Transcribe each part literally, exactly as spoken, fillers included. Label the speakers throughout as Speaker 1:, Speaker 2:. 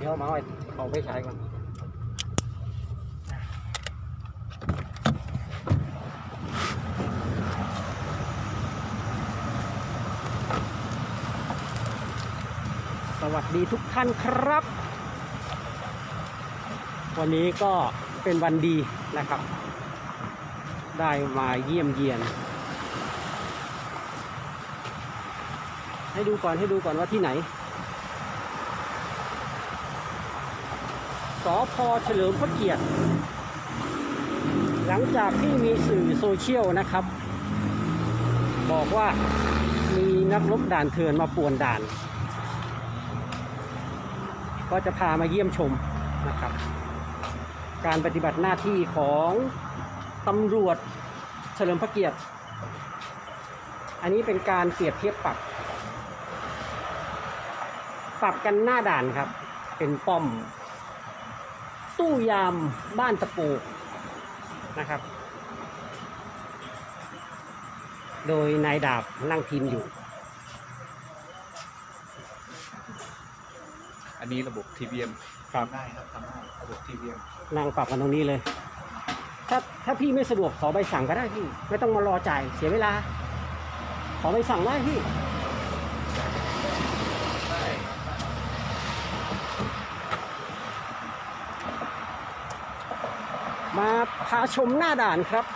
Speaker 1: ดี๋ยวมาเอาเอาไปใช้ก่อนสวัสดีทุกท่านครับ วันนี้ก็เป็นวันดีนะครับ ได้มาเยี่ยมเยียนให้ดูก่อนให้ดูก่อนว่าที่ไหนสภ.เฉลิมพระเกียรติหลังจากที่มีสื่อโซเชียลนะครับ บอกว่ามีนักรบด่านเถื่อนมาป่วนด่านก็จะพามาเยี่ยมชมนะครับการปฏิบัติหน้าที่ของตำรวจเฉลิมพระเกียรติอันนี้เป็นการเปรียบเทียบปรับปรับกันหน้าด่านครับเป็นป้อมตู้ยามบ้านตะปูนะครับโดยนายดาบนั่งพิมพ์อยู่
Speaker 2: อันนี้ระบบ ที วี เอ็ม
Speaker 1: ครับ
Speaker 2: ได้ครับทำได้ระบบ ที วี เอ็ม
Speaker 1: นั่งปรับกันตรงนี้เลยถ้าถ้าพี่ไม่สะดวกขอใบสั่งก็ได้พี่ไม่ต้องมารอจ่ายเสียเวลาขอใบสั่งได้พี่มาพาชมหน้าด่านครับ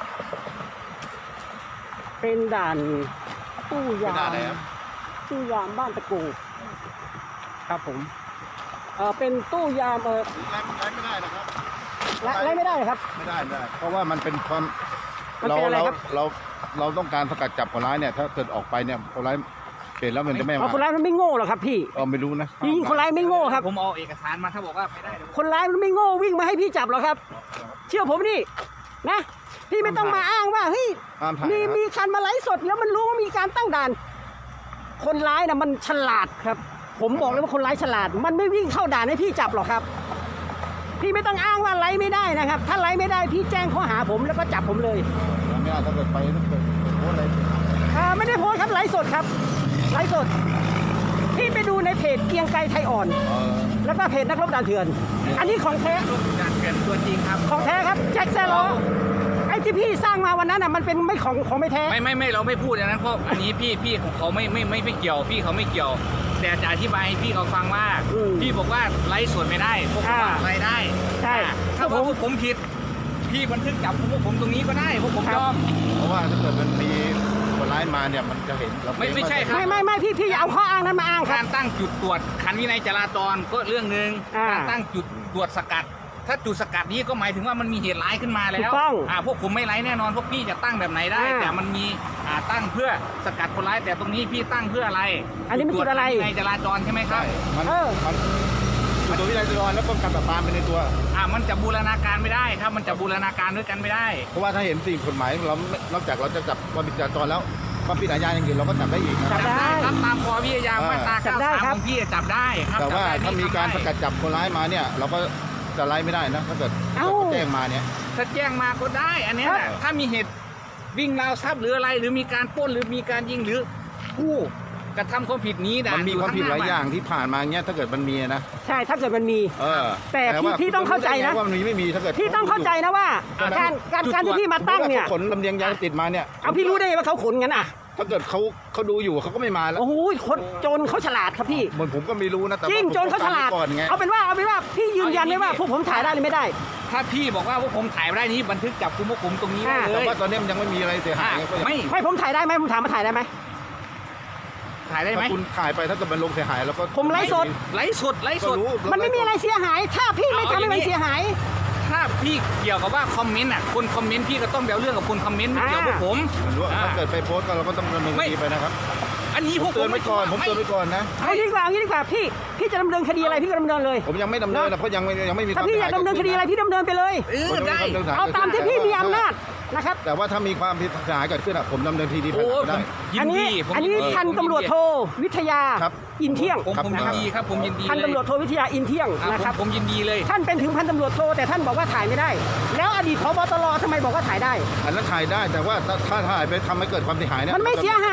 Speaker 1: เป็นด่านตู้ยามตู้ยามบ้านตะกูครับผมเออเป็นตู้ยามเออ
Speaker 3: ไล่ไล่ไม่ได้นะครับ
Speaker 1: ไล่ไม่ได้ครับ
Speaker 3: ไม่ได้ไม่ได้เพราะว่ามันเป็นความ
Speaker 1: มัน
Speaker 3: เรา
Speaker 1: เป็นอะไร
Speaker 3: เรา
Speaker 1: ครับ
Speaker 3: เราเราต้องการสกัดจับคนร้ายเนี่ยถ้าเกิดออกไปเนี่ยคนร้ายเห็นแล้วมันจะไม่
Speaker 1: เอา
Speaker 3: มา
Speaker 1: คนร้ายมันไม่โง่หรอกครับพี่
Speaker 3: เออไม่รู้นะ
Speaker 1: จริงๆคนร้ายไม่โง่ครับ
Speaker 2: ผมเอาเอกสารมาถ้าบอกว่าไม่ได้
Speaker 1: คนร้ายมันไม่โง่วิ่งมาให้พี่จับหรอกครับ เชื่อผมนี่นะพี่ไม่ต้องมาอ้างว่าเฮ้ย
Speaker 3: ห้ามถ่าย
Speaker 1: มี
Speaker 3: นะครับ
Speaker 1: มีการมาไลฟ์สดแล้วมันรู้ว่ามีการตั้งด่านคนร้ายนะมันฉลาดครับ ผมบอกเลยว่าคนร้ายฉลาด มันไม่วิ่งเข้าด่านให้พี่จับหรอกครับ พี่ไม่ต้องอ้างว่าไลฟ์ไม่ได้นะครับ ถ้าไลฟ์ไม่ได้พี่แจ้งข้อหาผมแล้วก็จับผมเลย
Speaker 3: ไม่ได้ถ้าเกิดไปถ้าเกิดโพสอะไร
Speaker 1: อ่าไม่ได้โพสต์ครับไลฟ์สดครับไลฟ์สดพี่ไปดูในเพจเกรียงไกรไทยอ่อน
Speaker 3: เออ
Speaker 1: แล้วก็เพจนักรบด่านเถื่อน อันนี้ของแท้
Speaker 2: การเกินตัวจริงครับ
Speaker 1: ของแท้ครับแจ็คแซล้อไอ้ที่พี่สร้างมาวันนั้นอ่ะมันเป็นไม่ของของไม่แท้
Speaker 2: ไม่ไม่ไม่เราไม่พูดอย่างนั้นเพราะอันนี้พี่พี่ของเขาไม่ไม่ไม่ไม่เกี่ยวพี่เขาไม่เกี่ยว แต่จะอธิบายให้พี่เขาฟังว่าพี่บอกว่าไลฟ์สดไม่ได้พวกผมไลฟ์ได้
Speaker 1: ใช่
Speaker 2: ถ้าว่าพวกผมผิดพี่บันทึกจับพวกผมตรงนี้ก็ได้พวกผมยอม
Speaker 3: เพราะว่าถ้าเกิดมันมีคนร้ายมาเนี่ยมันจะเห็นเรา
Speaker 2: ไม่ไม่ใช่ครับ
Speaker 1: ไม่ไม่ไม่พี่พี่อย่าเอาข้ออ้างนั้นมาอ้างค
Speaker 2: กา
Speaker 1: รับ
Speaker 2: รตั้งจุดตรวจขันวินัยจราจรก็เรื่องหนึ่ง
Speaker 1: อ่า
Speaker 2: การตั้งจุดตรวจสกัด ถ้าจุดสกัดนี้ก็หมายถึงว่ามันมีเหตุร้ายขึ้นมาแล้
Speaker 1: ถู
Speaker 2: ว
Speaker 1: กต้อง
Speaker 2: อ่าพวกผมไม่ไร้แน่นอนพวกพี่จะตั้งแบบไหนได้
Speaker 1: อ่า
Speaker 2: แต่มันมีอ่าตั้งเพื่อสกัดคนร้ายแต่ตรงนี้พี่ตั้งเพื่ออะไร
Speaker 1: อันนี้มันจุดอะไร
Speaker 2: ขัวินัยจราจรใช่ไหมครับ
Speaker 3: มัน
Speaker 1: เออ
Speaker 3: มันมันตัววินัยจราจรแล้วป้องกันปราบปรามไปในตัว
Speaker 2: อ่ามันจะบูรณาการไม่ได้ครับ มันจะบูรณาการด้วยกันไม่ได้
Speaker 3: เพราะว่าถ้าเห็นสิ่งกฎหมายเรานอกจากเราจะจับความผิดจราจรแล้วความผิดอาญาอย่างอื่นเราก็จับได้อีกนะค
Speaker 1: จั
Speaker 3: รับ
Speaker 1: บได้
Speaker 2: ครับตามปวิทยามาตรา
Speaker 1: จับ
Speaker 2: เก้า
Speaker 1: ได้
Speaker 2: สาม
Speaker 1: ครั
Speaker 2: ข
Speaker 1: บ
Speaker 2: องพี่จับได้ครับ
Speaker 3: แต่ว่า
Speaker 2: จับได้
Speaker 3: ถ้ามีการส
Speaker 2: ทำได้
Speaker 3: กัดจับคนร้ายมาเนี่ย เราก็จะไล่ไม่ได้นะถ้าเกิด
Speaker 1: เอ้า
Speaker 3: แจ้งมาเนี่ย
Speaker 2: ถ้าแจ้งมาก็ได้ อันเนี้ย
Speaker 3: ครับ
Speaker 2: แหละถ้ามีเหตุวิ่งราวทรัพย์หรืออะไร หรือมีการปล้นหรือมีการยิงหรือผู้กระทำความผิดนี้นะ
Speaker 3: มันมีความผิดหลายอย่าง
Speaker 2: ที่
Speaker 3: ที่ผ่านมาเงี้ยถ้าเกิดมันมีนะ
Speaker 1: ใช่ถ้าเกิดมันมี
Speaker 3: เออ
Speaker 1: แต่พี่
Speaker 3: ว่า
Speaker 1: พี่ต้องเข้าใจนะ
Speaker 3: ว่ามันมีไม่มีถ้าเกิด
Speaker 1: พี่ต้องเข้าใจนะว่าการการการที่พี่มาตั้งเนี่ย
Speaker 3: ขนลำเลียงยาเสพติดมาเนี่ย
Speaker 1: เอาพี่รู้ได้ไงว่าเขาขนงั้นอ่ะ
Speaker 3: ถ้าเกิดเขาเขาดูอยู่เขาก็ไม่มาแล้ว
Speaker 1: โอ้โหคนโจรเขาฉลาดครับพี่
Speaker 3: เหมือนผมก็ไม่รู้นะแต่
Speaker 1: จริง
Speaker 3: ว่าผม
Speaker 1: โจรเขาฉลาด
Speaker 3: ก่อนไง
Speaker 1: เอาเป็นว่าเอาเป็นว่าพี่ยืนยันได้ว่าพวกผมถ่ายได้หรือไม่ได้
Speaker 2: ถ้าพี่บอกว่าพวกผมถ่ายไม่ได้นี้บันทึกจับกุมพวกผมตรงนี้ได้
Speaker 1: อ่า
Speaker 2: เล
Speaker 3: แต่
Speaker 2: ย
Speaker 3: ว่าตอนนี้มันยังไม่มีอะไรเสียหายไงก็ยัง
Speaker 2: ไม่
Speaker 1: ไม่ผมถ่ายได้ไหมผมถามมาถ่ายได้ไหม
Speaker 2: ถ่ายได้ไหม
Speaker 3: ถ้าคุณถ่ายไปถ้าเกิดมันลงเสียหายแล้วก็
Speaker 1: ผมไลฟ์สด
Speaker 2: ไลฟ์สดไลฟ์
Speaker 3: ก็
Speaker 2: สด
Speaker 3: รู้
Speaker 1: มันไม่มีอะไรเสียหาย ถ้าพี่ไม่ทำให้มันเสียหาย
Speaker 2: ถ้าพี่เกี่ยวกับว่าคอมเมนต์อ่ะคนคอมเมนต์พี่ก็ต้องเบลเรื่องกับคนคอมเมนต์ไม่เกี่ยวกับผม
Speaker 3: มันรู้ว่า
Speaker 2: อ่า
Speaker 3: ถ้าเกิดไปโพสต์ก็เราก็ต้องดำเนินคดีไปนะครับ
Speaker 2: อันนี้พวก
Speaker 3: เตือนไว้ก่อนผมเตือนไว้ก่อนนะ
Speaker 1: เอาดีกว่าเอางี้ดีกว่าพี่พี่จะดำเนินคดีอะไรพี่ก็ดำเนินเลย
Speaker 3: ผมยังไม่ดำเนินนะเพราะยังไม่ยังไม่มี
Speaker 1: ถ้าพี่อยากดำเนินคดีอะไรพี่ดำเนินไปเลย
Speaker 2: เออได้
Speaker 1: เอาตามที่พี่มีอำนาจนะครับ
Speaker 3: แต่ว่าถ้ามีความผิดเสียหายเกิดขึ้นอะผมดำเนินคดี
Speaker 2: โอ้
Speaker 3: ได้
Speaker 2: ผมยิ
Speaker 1: อั
Speaker 2: น
Speaker 1: นนี้
Speaker 2: ดีผม
Speaker 1: อันนี้
Speaker 2: ยิดี
Speaker 1: พันตำรวจโทวิทยา
Speaker 3: ครับ
Speaker 1: อินเที่ยง
Speaker 2: ผมผมยินดีครับผมยินดี
Speaker 1: พัน
Speaker 2: เลย
Speaker 1: ตำรวจโทวิทยาอินเที่ยง
Speaker 2: อ่า
Speaker 1: นะครับ
Speaker 2: ผมผมยินดีเลย
Speaker 1: ท่านเป็นถึงพันตำรวจโทแต่ท่านบอกว่าถ่ายไม่ได้ แล้วอดีตผบตรทำไมบอกว่าถ่ายได้
Speaker 3: อันนั้นถ่ายได้แต่ว่าถ้าถ้าถ่ายไปทำให้เกิดความเสียหายเนี่ย
Speaker 1: มันไม่เสียหาย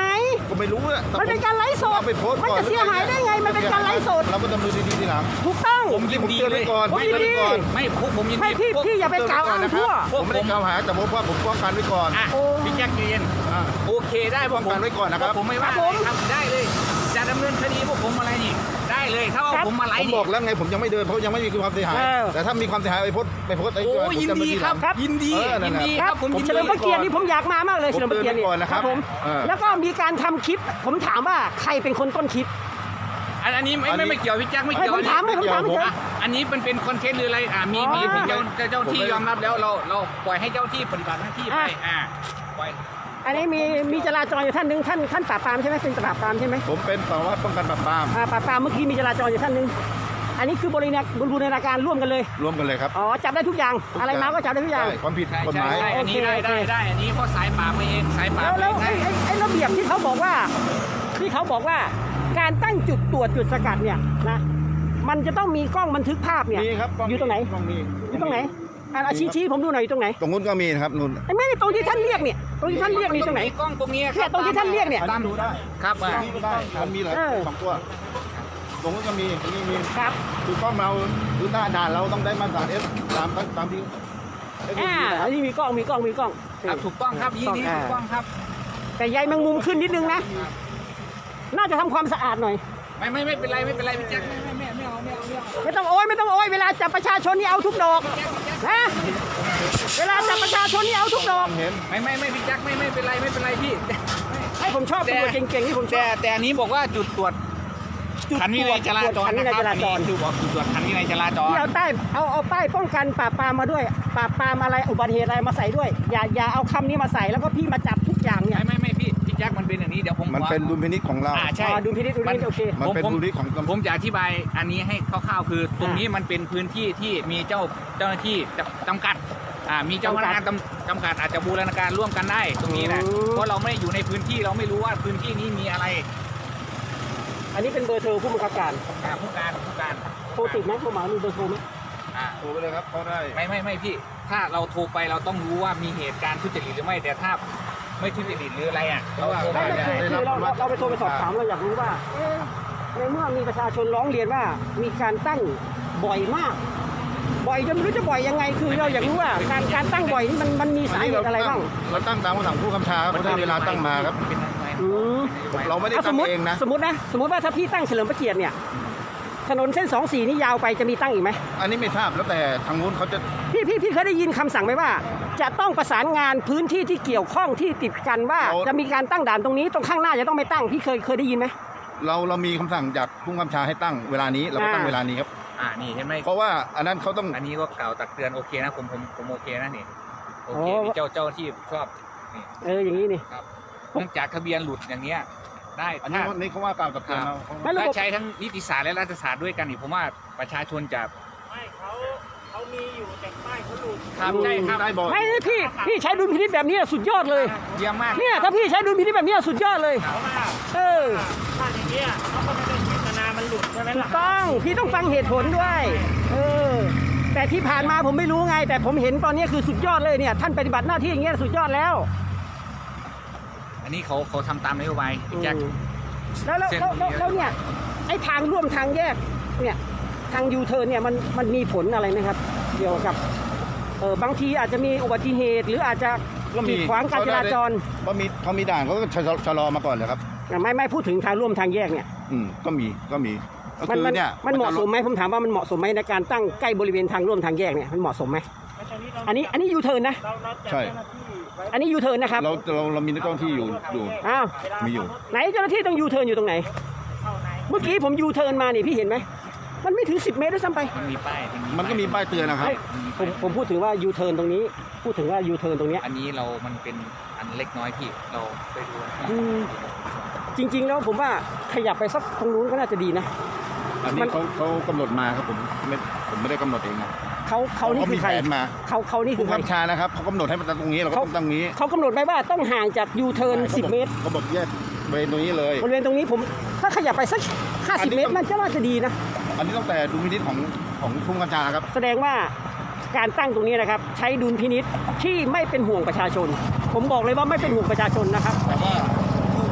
Speaker 3: ก็ไม่รู้อะ
Speaker 1: มันเป็นการไลฟ์สด
Speaker 3: เอาไปโพสต์
Speaker 1: มัน
Speaker 3: ก่อน
Speaker 1: จะเสียหายได้ไงมันเป็นการไลฟ์สด
Speaker 3: เราก็ดำเนินคดีทีหลัง
Speaker 1: ถูกต้อง
Speaker 2: ผมยิน
Speaker 3: ผม
Speaker 2: ดี
Speaker 3: เตือน
Speaker 2: เล
Speaker 3: ไว้
Speaker 2: ย
Speaker 3: ก่อน
Speaker 1: ผมยินดี
Speaker 3: เตือนไว้ก่อน
Speaker 2: ไม่พวกผมยินดี
Speaker 1: ไม่พี่
Speaker 2: พวก
Speaker 1: พี่อย่าไปกล่าวอ้างทั่ว
Speaker 3: ผมไม่ได้กล่าวหาแต่ผมว่าผมป้องกันไว้ก่อน
Speaker 2: อ่ะ
Speaker 1: โอ้
Speaker 2: พี่แจ็คเย็น
Speaker 3: อ่า
Speaker 2: โอเคได้พวก
Speaker 3: ป้องกันไว้ก่อนนะครับ
Speaker 2: พวผมไม่ว่า
Speaker 1: ครับผม
Speaker 2: ทำได้เลย จะดำเนินคดีพวกผมอะไรนี่ ได้เลยถ้าว่า
Speaker 1: ครับ
Speaker 2: ผมมาไล
Speaker 3: ผม
Speaker 2: ฟ์
Speaker 3: บอกแล้วไงผมยังไม่เดินเพราะยังไม่มีความเสียหาย
Speaker 1: เออ
Speaker 3: แต่ถ้ามีความเสียหายไปโพสต์ไปโพสต์ไอ้
Speaker 2: โอ้
Speaker 3: ผม
Speaker 2: ยิน
Speaker 3: ดำเนิ
Speaker 2: ดี
Speaker 3: ทีห
Speaker 2: ค
Speaker 3: ลั
Speaker 2: รั
Speaker 3: ง
Speaker 2: บยินดี
Speaker 3: เออนั่
Speaker 2: ยิ
Speaker 3: น
Speaker 2: น
Speaker 3: น่ะ
Speaker 2: ดี
Speaker 1: ค
Speaker 2: ค
Speaker 1: รั
Speaker 2: รั
Speaker 1: บบ
Speaker 2: ผมยิน
Speaker 1: เฉ
Speaker 2: ดี
Speaker 1: ลิมพระเกียรตินี่ผมอยากมามากเลย
Speaker 3: ผม
Speaker 1: เฉลิมพระเกียรตินี่
Speaker 3: เตือนไว้ก่อนนะครับ
Speaker 1: ผม
Speaker 3: เออ
Speaker 1: แล้วก็มีการทำคลิป ผมถามว่าใครเป็นคนต้นคลิป
Speaker 2: อันอันนี้ไม่
Speaker 3: อันนี้
Speaker 2: ไม่ไม่เกี่ยวพี่แจ็คไม่
Speaker 1: ไม่
Speaker 2: เกี่ยว
Speaker 1: ผมถามไม่ผมถาม
Speaker 3: ไม่เกี่ยว
Speaker 1: เฉย
Speaker 2: อ่ะอันนี้เป็นเป็นคอนเทนต์หรืออะไรอ่ามี
Speaker 1: อ๋อ
Speaker 2: มีมีเจ้าเจ้าเจ้าที่
Speaker 3: ผมไม่
Speaker 2: ยอมรับแล้วเราเราปล่อยให้เจ้าที่ปฏิบัติหน้าที่ไป
Speaker 1: อ่ะ
Speaker 2: อ่าปล่อย
Speaker 1: อันนี้มีมีจราจรอยู่ท่านหนึงท่านท่านปราบปรามใช่ไหมเป็นปราบปรามใช่ไหม
Speaker 3: ผมเป็นสารวัตรป้องกันปราบปราม
Speaker 1: อ่าปราบปรามเมื่อกี้มีจราจรอยู่ท่านหนึงอันนี้คือบริณาบูรณาการร่วมกันเลย
Speaker 3: ร่วมกันเลยครับ
Speaker 1: อ๋อจับได้ทุกอย่างอะไรมาก็จับได้ทุกอย่าง
Speaker 3: ใช่ความผิด
Speaker 2: ใช่
Speaker 3: กฎหมาย
Speaker 2: ใช่ใช่อันนี้
Speaker 1: โอเค
Speaker 2: ได้ได้
Speaker 1: โอเค
Speaker 2: ได้อันนี้เพราะสายป่าบมาเองสายป่าบ
Speaker 1: แล้ว
Speaker 2: มา
Speaker 1: แล้ว
Speaker 2: เอง
Speaker 1: ไอ้
Speaker 2: ได้
Speaker 1: ไอ้ไอ้ระเบียบที่เขาบอกว่าที่เขาบอกว่าการตั้งจุดตรวจจุดสกัดเนี่ยนะมันจะต้องมีกล้องบันทึกภาพเนี่ย
Speaker 3: มีครับกล้
Speaker 1: อยู่ตรงไหน
Speaker 3: กล้องมี
Speaker 1: อยู่ตรงไหนอ่ะชี้ชี้ผมดูหน่อยอยู่ตรงไหน
Speaker 3: ตรงนู้นก็มีนะครับนู่น
Speaker 1: ไอ้แม่นี่ตรงที่ท่านเรียกเนี่ยตรงที่ท่านเรียกนี่ตรงไหน
Speaker 2: กล้องตรงนี้ค
Speaker 1: เนี่
Speaker 2: รั
Speaker 1: ยตรงที่ท่านเรียกเนี่ย
Speaker 2: ตาม
Speaker 3: ดูได้
Speaker 2: ครับอ่ะ
Speaker 3: นี่ก็ได้มันมีหลาย
Speaker 1: เออ
Speaker 3: สองตัวตรงนู้นก็มีนี่มี
Speaker 1: ครับ
Speaker 3: คือกล้องเราหรือหน้าด่านเราต้องได้มาตรฐานเอสตามตามที่เอส
Speaker 1: อ่า
Speaker 3: นะครับ
Speaker 1: อันนี้มีกล้องมีกล้องมีกล้อง
Speaker 2: ครับถูกต้องครับยี่นี้
Speaker 1: อ่า
Speaker 2: ถูกต้องครับ
Speaker 1: แต่ใยแมงมุมขึ้นนิดนึงนะ น่าจะทำความสะอาดหน่อย
Speaker 2: ไม่ไม่ไม่เป็นไรไม่เป็นไรพี่แจ็คไม่ไม่ไม่ไม่เอาไม่เอาไม่เอา
Speaker 1: ไม่ต้องโอยไม่ต้องโอยเวลาจับประชาชนนี่เอาทุกดอกนะเวลาจับประชาชนนี่เอาทุกดอก
Speaker 3: เห็น
Speaker 2: ไม่ไม่ไม่พี่แจ็คไม่ไม่เป็นไรไม่เป็นไรพี่
Speaker 1: ให้ผมชอบตำรวจเก่งๆที่ผมช
Speaker 2: แต่
Speaker 1: อบ
Speaker 2: แต่อันนี้บอกว่าจุดตรวจ
Speaker 1: จุด
Speaker 2: ขันวินัยจราจร
Speaker 1: ขันวิ
Speaker 2: นะ
Speaker 1: นัย
Speaker 2: ครับ
Speaker 1: จ
Speaker 2: อั
Speaker 1: ราน จ
Speaker 2: นี้
Speaker 1: ร
Speaker 2: คือบอกจุดตรวจขันวินัยจราจร
Speaker 1: ที่เอาใต้เอาเอาป้ายป้องกันปราบปรามมาด้วยปราบปรามอะไรอุบัติเหตุอะไรมาใส่ด้วย อย่าอย่าเอาคำนี้มาใส่แล้วก็พี่มาจับทุกอย่างเนี่ย
Speaker 2: ไม่ไม่ไม่พี่พี่แจ็คมันเป็นอย่างนี้เดี๋ยวผม
Speaker 3: มันเป็นดุลพินิจของเรา
Speaker 2: อ่าใช่
Speaker 1: อ่าดูพินิจดูพินิจโอเค
Speaker 3: มันเป็น
Speaker 2: ผม
Speaker 3: ดุลพินิจของ
Speaker 2: ผมจะอธิบายอันนี้ให้คร่าวๆคือ ตรงนี้มันเป็นพื้นที่ที่มีเจ้าเจ้าหน้าที่จำจำกัดอ่ามีเจ้าพนักงานจำจำกัดอาจจะบูรณาการร่วมกันได้ตรงนี้นะ
Speaker 1: อืม
Speaker 2: เพราะเราไม่ได้อยู่ในพื้นที่เราไม่รู้ว่าพื้นที่นี้มีอะไร
Speaker 1: อันนี้เป็นเบอร์โทรผู้บังคับการ
Speaker 2: อ่าผู้การผู้การ
Speaker 1: โทรติดไหมโทรมามีเบอร์โทรไหม
Speaker 2: อ่า
Speaker 3: โทรไปเลยครับเขาได้
Speaker 2: ไม่ไม่ไม่พี่ ถ้าเราโทรไปเราต้องรู้ว่ามีเหตุการณ์ทุจริตหรือไม่แต่ถ้าไม่ทุจริตหรืออะไรอ่ะเราโทร
Speaker 1: ไม่
Speaker 2: ไป
Speaker 1: ไม่
Speaker 2: ได้
Speaker 1: คือคือเราเราเราไปโทรไปสอบถามเราอยากรู้ว่าเอ๊ะในเมื่อมีประชาชนร้องเรียนว่ามีการตั้งบ่อยมาก บ่อยจนไม่รู้จะบ่อยยังไง คือเราอยากรู้ว่าการการตั้งบ่อยนี่มันมันมีสาเหตุอะไรบ้าง
Speaker 3: เราตั้งตามคำสั่งผู้กำชาเขาได้เวลาตั้งมาครับ
Speaker 2: เป็นนโยบาย
Speaker 1: อืม
Speaker 3: เราไม่ได้
Speaker 1: อ่ะส
Speaker 3: ตั้
Speaker 1: ม
Speaker 3: ง
Speaker 1: มติ
Speaker 3: เองนะ
Speaker 1: สมมตินะสมมติว่าถ้าพี่ตั้งเฉลิมพระเกียรติเนี่ยถนนเส้นสองสี่นี่ยาวไปจะมีตั้งอีกไหม
Speaker 3: อันนี้ไม่ทราบแล้วแต่ทางนู้นเขาจะ
Speaker 1: พี่พี่พี่เคยได้ยินคำสั่งไหมว่า จะต้องประสานงานพื้นที่ที่เกี่ยวข้องที่ติดกันว่า จะมีการตั้งด่านตรงนี้ตรงข้างหน้าจะต้องไม่ตั้งพี่เคยเคยได้ยินไหม
Speaker 3: เราเรามีคำสั่งจากผู้กำชาให้ตั้งเวลานี้เราก็ตั้ง
Speaker 1: อ่า
Speaker 3: เวลานี้ครับ
Speaker 2: อ่านี่เห็นไหม
Speaker 3: เพราะว่าอันนั้นเขาต้อง
Speaker 2: อันนี้ก็กล่าวตักเตือนโอเคนะผมผมผมโอเคนะนี่โอเค
Speaker 1: โอ้
Speaker 2: มีเจ้าเจ้าที่ชอบนี่
Speaker 1: เอออย่างนี้นี่
Speaker 2: ครับเนื่องจากทะเบียนหลุดอย่างเนี้ยได้
Speaker 3: อันนี้
Speaker 2: ถ้า
Speaker 3: นี่เขาว่ากล่าวกับเตือนเรา
Speaker 1: ไม่ระบบ
Speaker 2: ถ้าใช้ทั้งนิติศาสตร์และรัฐศาสตร์ด้วยกันนี่ผมว่าประชาชนจะ
Speaker 4: ไม่เขาเขามีอยู่แต่ป้ายเขาหลุด
Speaker 2: ครับใช่ครับ
Speaker 3: ได้บอก
Speaker 1: ไม่นี่พี่พี่ใช้ดุลพินิจแบบนี้สุดยอดเลย
Speaker 2: เยี่ยมมาก
Speaker 1: เนี่ยถ้าพี่ใช้ดุลพินิจแบบนี้สุดยอดเลย
Speaker 4: เพราะว่า
Speaker 1: เออ
Speaker 4: ถ้าอย่างเงี้ยเขาก็ไม่ได้เจตนามันหลุดใช่ไหม
Speaker 1: ถู
Speaker 4: ล่ะ
Speaker 1: กต้องพี่ต้องฟังเหตุผลด้วย เออ แต่ที่ผ่านมาผมไม่รู้ไง แต่ผมเห็นตอนนี้คือสุดยอดเลยเนี่ย ท่านปฏิบัติหน้าที่อย่างเงี้ยสุดยอดแล้ว
Speaker 2: อันนี้เขาเขาทำตามนโยบายพี่แจ็ค
Speaker 1: อืมแล้วแล้วแล้วแล้วแล้วเนี่ยไอ้ทางร่วมทางแยกเนี่ยทางยูเทิร์นเนี่ยมันมันมีผลอะไรไหมครับ เกี่ยวกับเออบางทีอาจจะมีอุบัติเหตุ หรืออาจจะ
Speaker 3: ก็มี
Speaker 1: กีดขวางการจราจร
Speaker 3: เพราะมีเขามีด่านเขาก็ชะลอชะลอมาก่อนเลยครับ
Speaker 1: ไม่ไม่พูดถึงทางร่วมทางแยกเนี่ย
Speaker 3: อืมก็มีก็มีก็
Speaker 1: มัน
Speaker 3: คือ
Speaker 1: มัน
Speaker 3: เนี่ย
Speaker 1: มันเหมาะสมไหมผมถามว่ามันเหมาะสมไหมในการตั้งใกล้บริเวณทางร่วมทางแยกเนี่ยมันเหมาะสมไหม
Speaker 4: แล้วตอนนี้เรา
Speaker 1: อันนี้อันนี้ยูเทิร์นนะ
Speaker 4: เราเราจัด
Speaker 3: ใช่
Speaker 4: เจ้าหน้าที่ไว้
Speaker 1: อันนี้ยูเทิร์นนะครับ
Speaker 3: เราเราเรามีเจ้าหน้าที่อยู่อยู่
Speaker 1: อ้าว
Speaker 4: เวลา
Speaker 3: มีอยู่
Speaker 1: ไหนเจ้าหน้าที่ต้องยูเทิร์นอยู่ตรงไหน
Speaker 4: เข้าใน
Speaker 1: เมื่อกี้ผมยูเทิร์นมานี่พี่เห็นไหมมันไม่ถึงสิบเมตรด้วยซ้ำไป
Speaker 2: มันมีป้าย
Speaker 3: มันก็มีป้ายเตือนนะครับ
Speaker 1: ไม่ผมผมพูดถึงว่ายูเทิร์นตรงนี้ พูดถึงว่ายูเทิร์นตรงเนี้ย
Speaker 2: อันนี้เรามันเป็นอันเล็กน้อยพี่เราไปดูนะ
Speaker 1: อืมจริง ๆ แล้วผมว่าขยับไปสักตรงนู้นก็น่าจะดีนะ
Speaker 3: อัน
Speaker 1: มั
Speaker 3: นี้
Speaker 1: น
Speaker 3: เขาเขากำหนดมาครับผมไม่ผมไม่ได้กำหนดเองนะ
Speaker 1: เขาเขานี่
Speaker 3: เขา
Speaker 1: คื
Speaker 3: มี
Speaker 1: อใค
Speaker 3: แผ
Speaker 1: ร
Speaker 3: นมา
Speaker 1: เขาเขานี่คื
Speaker 3: ผู้
Speaker 1: อใคร
Speaker 3: กำชานะครับเขากำหนดให้มันตั้งตรงนี้เราก็ต้องตั้งนี้
Speaker 1: เขากำหนดไว้ว่าต้องห่างจากยูเทิร์นสิบเมตร
Speaker 3: เขาบอกแยกบริเวณตรงนี้เลย
Speaker 1: บริเวณตรงนี้ผมถ้าขยับไปสักห้า
Speaker 3: อั
Speaker 1: สิ
Speaker 3: น
Speaker 1: บ
Speaker 3: นี้
Speaker 1: เมต
Speaker 3: ต้
Speaker 1: ร
Speaker 3: อง
Speaker 1: มันก็น่าจะดีนะ
Speaker 3: อันนี้ตั้งแต่ดุลพินิจของของผู้กำชาครับ
Speaker 1: แสดงว่าการตั้งตรงนี้นะครับ ใช้ดุลพินิษที่ไม่เป็นห่วงประชาชน ผมบอกเลยว่าไม่เป็นห่วงประชาชนนะครับ
Speaker 3: แต่ว่า
Speaker 2: อันนี้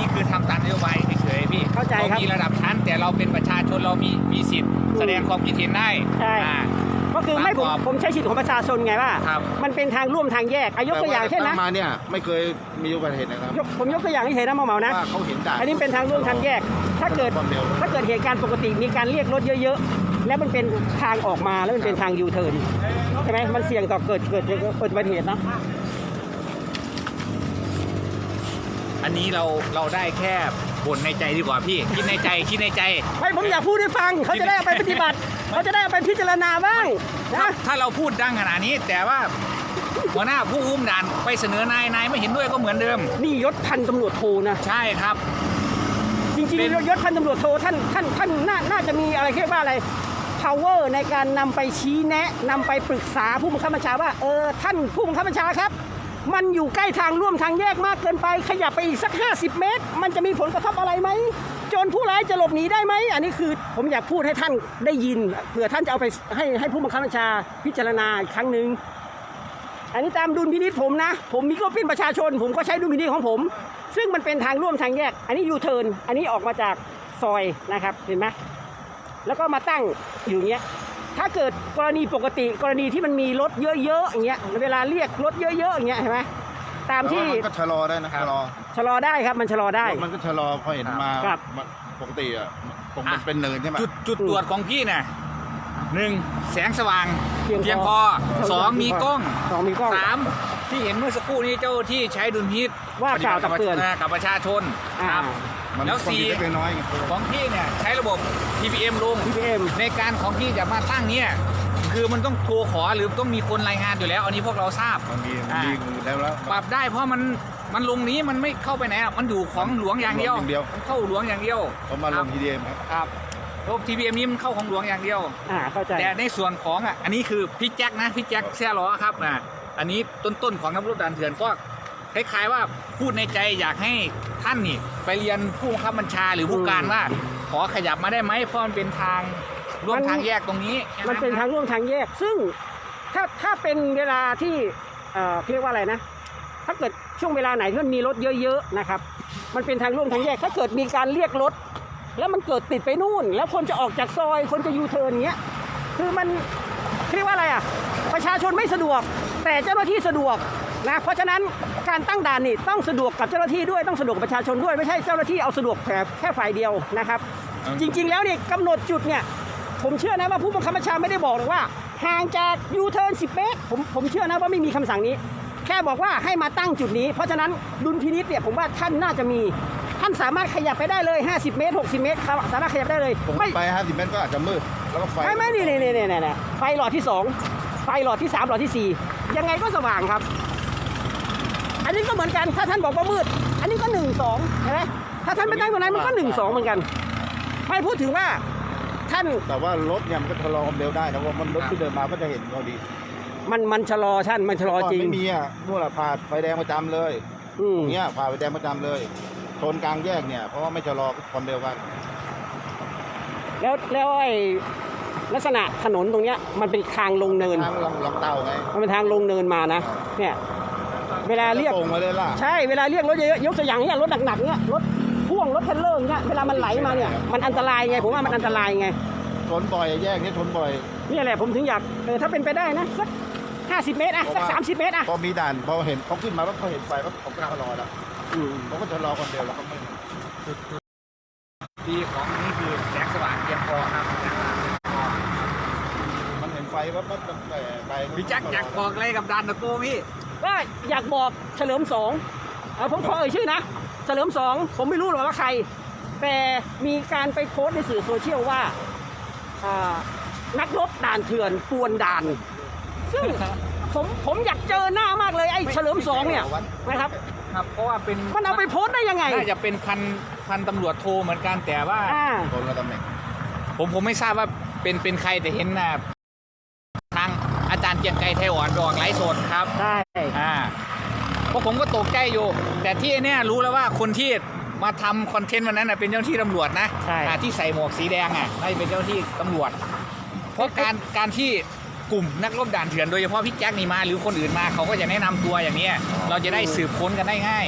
Speaker 2: นี้คือทำตามนโยบายเฉยๆพี่
Speaker 1: เข้าใจครับ
Speaker 2: มีระดับชั้น แต่เราเป็นประชาชนเรามีมีสิทธิ์แสดงความคิดเห็นได้
Speaker 1: ใช่
Speaker 2: อ่า
Speaker 1: ก็คือไม่ผม
Speaker 2: ตามกรอบ
Speaker 1: ผมใช้สิทธิ์ของประชาชนไงว่า
Speaker 2: ครับ
Speaker 1: มันเป็นทางร่วมทางแยกอายกตัวอย่างเช่นนะ
Speaker 3: แต่ว่ามาเนี่ยไม่เคยมีอุบัติเหตุนะครับ
Speaker 1: ยกผมยกตัวอย่างให้เห็นนะหมอเหมานะ
Speaker 3: ว่าเขาเห็นด่าน
Speaker 1: อันนี้เป็นทางร่วมทางแยก ถ้าเกิด
Speaker 3: ความเร็ว
Speaker 1: ถ้าเกิดเหตุการณ์ปกติมีการเรียกรถเยอะๆ แล้วมันเป็นทางออกมาแล้วมันเป็นทางยูเทิร์นใช่ไหมมันเสี่ยงต่อเกิดเกิดเกิดเกิดอุบัติเหตุเนาะ
Speaker 2: อันนี้เราเราได้แค่บ่นในใจดีกว่าพี่ คิดในใจคิดในใจ
Speaker 1: ไม่ผมอยากพูดให้ฟังเขาจะได้เอาไปปฏิบัติเขาจะได้เอาไปพิจารณาบ้าง
Speaker 2: ถ้า
Speaker 1: นะ
Speaker 2: ถ้าเราพูดดังขนาดนี้ แต่ว่าหัวหน้าผู้อุ้มด่านไปเสนอนายนายไม่เห็นด้วยก็เหมือนเดิม
Speaker 1: นี่ยศพันตำรวจโทนะ
Speaker 2: ใช่ครับ
Speaker 1: จริง
Speaker 2: เป็น
Speaker 1: ๆยศพันตำรวจโทท่านท่านท่านน่าน่าจะมีอะไรเรียกว่าอะไร power ในการนำไปชี้แนะนำไปปรึกษาผู้บังคับบัญชาว่าเออท่านผู้บังคับบัญชาครับ มันอยู่ใกล้ทางร่วมทางแยกมากเกินไปขยับไปอีกสักห้าสิบเมตร มันจะมีผลกระทบอะไรไหมโจรผู้ร้ายจะหลบหนีได้ไหมอันนี้คือผมอยากพูดให้ท่านได้ยินเผื่อท่านจะเอาไปให้ให้ผู้บังคับบัญชาพิจารณาอีกครั้งหนึ่งอันนี้ตามดุลพินิจผมนะ ผมมีก็เป็นประชาชน ผมก็ใช้ดุลพินิจของผม ซึ่งมันเป็นทางร่วมทางแยก อันนี้ยูเทิร์นอันนี้ออกมาจากซอยนะครับเห็นไหมแล้วก็มาตั้งอยู่อย่างเงี้ยถ้าเกิดกรณีปกติกรณีที่มันมีรถเยอะๆอย่างเงี้ยเวลาเรียกรถเยอะๆอย่างเงี้ยเห็นไหมตามที่
Speaker 3: แต่ว่ามันก็ชะลอได้นะชะลอ
Speaker 1: ชะลอได้ครับมันชะลอได้
Speaker 3: รถมันก็ชะลอพอเห็นมา
Speaker 1: ครับ
Speaker 3: ปกติอ่ะตรงมันเป็นเนินใช่ไหม
Speaker 2: จุดจุดตรวจของพี่น่ะหนึ่งแสงสว่าง
Speaker 1: เพียงพอ
Speaker 2: เพียงพอสองมีกล้อง
Speaker 1: สองมีกล้อง
Speaker 2: สามที่เห็นเมื่อสักครู่นี้เจ้าที่ใช้ดุลพินิจ
Speaker 1: ว่ากล่าวตักเตือน
Speaker 2: กับประชาชน
Speaker 1: อ่า
Speaker 2: ครับ
Speaker 3: มัน
Speaker 2: แล้ว
Speaker 3: ความ
Speaker 2: สี่
Speaker 3: ผิดเล็กน้อยไง
Speaker 2: ของพี่เนี่ยใช้ระบบ ที พี เอ็ม ลง
Speaker 1: พี พี เอ็ม
Speaker 2: ในการของพี่จะมาตั้งเนี่ยคือมันต้องโทรขอหรือต้องมีคนรายงานอยู่แล้ว อันนี้พวกเราทราบ
Speaker 3: มันมีมัน
Speaker 2: อ่า
Speaker 3: มีแล้วแล้ว
Speaker 2: ปรับได้เพราะมันมันลงนี้มันไม่เข้าไปไหนหรอกมันอยู่ของหลวงอย่างเดียว
Speaker 3: อย่างเดียว
Speaker 2: มันเข้าหลวงอย่างเดียว
Speaker 3: เขามาลงทีเดียมครับ
Speaker 2: ครับระบบ ที พี เอ็ม นี้มันเข้าของหลวงอย่างเดียว
Speaker 1: อ่าเข้าใจ
Speaker 2: แต่ในส่วนของอ่ะอันนี้คือพี่แจ็คนะพี่แจ็คแซ่ล้อครับนะอันนี้ต้นๆของนักรบด่านเถื่อนก็คล้ายๆว่าพูดในใจอยากให้ท่านนี่ไปเรียนผู้บังคับบัญชาหรือผู้การว่า ขอขยับมาได้ไหมเพราะมันเป็นทางร่วม
Speaker 1: มัน
Speaker 2: ทางแยกตรงนี้
Speaker 1: มันเป็นทางร่วมทางแยก ซึ่งถ้าถ้าเป็นเวลาที่เอ่อเรียกว่าอะไรนะ ถ้าเกิดช่วงเวลาไหนที่มันมีรถเยอะๆนะครับ มันเป็นทางร่วมทางแยก ถ้าเกิดมีการเรียกรถ แล้วมันเกิดติดไปนู่น แล้วคนจะออกจากซอย คนจะยูเทิร์นอย่างเงี้ย คือมันเรียกว่าอะไรอ่ะ ประชาชนไม่สะดวก แต่เจ้าหน้าที่สะดวกนะ เพราะฉะนั้นการตั้งด่านนี่ต้องสะดวกกับเจ้าหน้าที่ด้วย ต้องสะดวกกับประชาชนด้วย ไม่ใช่เจ้าหน้าที่เอาสะดวกแค่แค่ฝ่ายเดียวนะครับ จริงๆ แล้วเนี่ยกำหนดจุดเนี่ย ผมเชื่อนะว่าผู้บังคับบัญชาไม่ได้บอกหรอกว่าห่างจากยูเทิร์นสิบเมตรผมผมเชื่อนะว่าไม่มีคำสั่งนี้ แค่บอกว่าให้มาตั้งจุดนี้ เพราะฉะนั้นดุลพินิจเนี่ยผมว่าท่านน่าจะมี ท่านสามารถขยับไปได้เลยห้าสิบเมตรหกสิบเมตรครับสามารถขยับได้เลย
Speaker 3: ผม
Speaker 1: ไม่
Speaker 3: ไปห้าสิบเมตรก็อาจจะมืดแล้วก็ไฟ
Speaker 1: ไม่ไม่นี่นี่นี่นี่นี่ไฟหลอดที่สองไฟหลอดที่สามหลอดที่สี่ยังไงก็สว่างครับ อันนี้ก็เหมือนกันถ้าท่านบอกว่ามืด อันนี้ก็หนึ่งสองเห็นไหมถ้าท่านไม่ตั้งตรงนั้นมันก็หนึ่งสองเหมือนกันไม่พูดถึงว่าท่าน
Speaker 3: แต่ว่ารถเนี่ยมันก็ชะลอความเร็วได้นะว่ามันรถที่เดินมาก็จะเห็นพอดี
Speaker 1: มันมันชะลอท่านมันชะลอจริง
Speaker 3: ไม่มีอ่ะนู่นแหละผ่าไฟแดงประจำเลย
Speaker 1: อืม
Speaker 3: อย่างเงี้ยผ่าไฟแดงประจำเลยชนกลางแยกเนี่ยเพราะว่าไม่ชะลอความเร็วกัน
Speaker 1: แล้วแล้วไอ้ลักษณะถนนตรงเนี้ยมันเป็นทางลงเนิน
Speaker 3: ทางลองลองเต่าไง
Speaker 1: มันเป็นทางลงเนินมานะเนี่ยเวลาเรียก
Speaker 3: จะโป่งมาเลยล่ะ
Speaker 1: ใช่เวลาเรียกรถเยอะๆยกตัวอย่างเนี่ยรถหนักๆเนี่ยรถพ่วงรถเทรลเลอร์เนี่ยเวลามันไหลมาเนี่ยมันอันตรายไงผมว่ามันอันตรายไง
Speaker 3: ชนบ่อยแยกนี้ชนบ่อย
Speaker 1: นี่แหละผมถึงอยากเออถ้าเป็นไปได้นะสักห้าสิบเมตรอะสักสามสิบเมตรอะ
Speaker 3: พอมีด่านพอเห็นเขาขึ้นมาแล้วเขาเห็นไฟเขาเขาก็ชะลอแล้ว
Speaker 1: อืม
Speaker 3: เขาก็ชะลอความเร็วแล้วก็ไม่
Speaker 2: ดีของนี่คือแสงสว่างเพียงพอครับ
Speaker 3: มันเห็นไฟว่ามันตั้งแต่ไกล
Speaker 2: พี่แจ็คอยากบอกอะไรกับด่านตะโกพี่
Speaker 1: ก็อยากบอกเฉลิมสองเอาผมขอเอ่ยชื่อนะเฉลิมสองผมไม่รู้หรอกว่าใคร แต่มีการไปโพสต์ในสื่อโซเชียลว่าอ่านักรบด่านเถื่อนปวนด่าน ซึ่งผมผมอยากเจอหน้ามากเลยไอ้เฉลิมสองเนี่ยนะครับ
Speaker 2: ครับเพราะว่าเป็น
Speaker 1: มันเอาไปโพสต์ได้ยังไง
Speaker 2: น่าจะเป็นพันพันตำรวจโทเหมือนกันแต่ว่า
Speaker 1: อ่า
Speaker 3: คนละตำแหน่ง
Speaker 2: ผมผมไม่ทราบว่าเป็นเป็นใครแต่เห็นนะทางอาจารย์เกียงไกรไทยอ่อนดอกไลฟ์สดครับ
Speaker 1: ใช่
Speaker 2: อ่าเพราะผมก็ตกใจอยู่ แต่ที่เนี่ยรู้แล้วว่าคนที่มาทำคอนเทนต์วันนั้นนะเป็นเจ้าหน้าที่ตำรวจนะ
Speaker 1: ใช่
Speaker 2: อ่าที่ใส่หมวกสีแดงอ่ะน่าจะเป็นเจ้าหน้าที่ตำรวจ เพราะการการที่กลุ่มนักรบด่านเถื่อนโดยเฉพาะพี่แจ็คนี่มาหรือคนอื่นมาเขาก็จะแนะนำตัวอย่างเนี้ยเราจะได้สืบค้นกันได้ง่าย